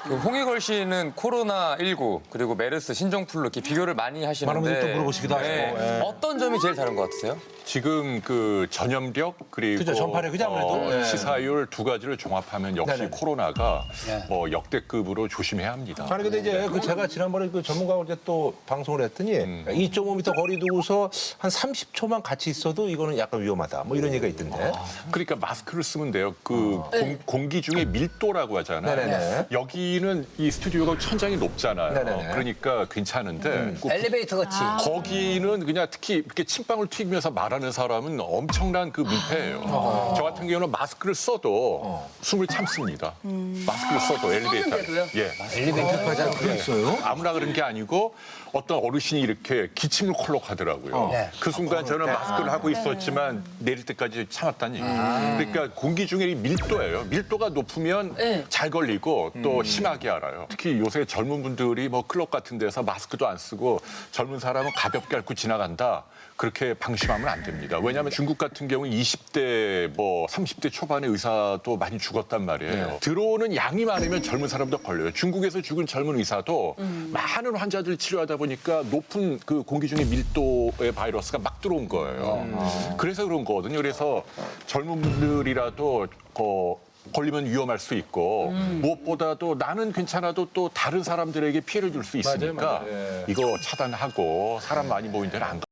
그 홍익걸 씨는 코로나19 그리고 메르스, 신종플루 이렇게 비교를 많이 하시는데 많은 분들이 또 물어보시기도 하시고. 예. 어떤 점이 제일 다른 것 같으세요? 지금 그 전염력 그리고 그죠, 전파력, 그죠, 아무래도. 예. 치사율 두 가지를 종합하면 역시 네네. 코로나가 뭐 역대급으로 조심해야 합니다. 아니 근데 이제 그 제가 지난번에 그 전문가하고 이제 또 방송을 했더니 2.5m 거리 두고서 한 30초만 같이 있어도 이거는 약간 위험하다. 뭐 이런 얘기가 있던데. 그러니까 마스크를 쓰면 돼요. 그 공기 중에 밀도라고 하잖아요. 네네네. 여기는 이 스튜디오가 천장이 높잖아요. 네네네. 그러니까 괜찮은데 꼭 엘리베이터 같이. 거기는 그냥 특히 이렇게 침방울 튀기면서 말하는 사람은 엄청난 그 민폐예요. 저 같은 경우는 마스크를 써도 숨을 참습니다. 마스크를 써도 엘리베이터. 예. 엘리베이터까지 안 그랬어요? 아무나 그런 게 아니고 어떤 어르신이 이렇게 기침을 콜록 하더라고요. 네. 그 순간 저는 마스크를 하고 있었지만 내릴 때까지 참았다는 얘기죠. 그러니까 공기 중에 이 밀도예요. 밀도가 높으면 잘 걸리고 또 심하게 알아요. 특히 요새 젊은 분들이 뭐 클럽 같은 데서 마스크도 안 쓰고 젊은 사람은 가볍게 앓고 지나간다. 그렇게 방심하면 안 됩니다. 왜냐하면 중국 같은 경우 20대, 뭐 30대 초반의 의사도 많이 죽었단 말이에요. 들어오는 양이 많으면 젊은 사람도 걸려요. 중국에서 죽은 젊은 의사도 많은 환자들 치료하다 보니까 높은 그 공기 중에 밀도의 바이러스가 막 들어온 거예요. 그래서 그런 거거든요. 그래서 젊은 분들이라도 걸리면 위험할 수 있고 무엇보다도 나는 괜찮아도 또 다른 사람들에게 피해를 줄 수 있으니까 맞아요. 예. 이거 차단하고 사람 많이 모인 데는 안 가.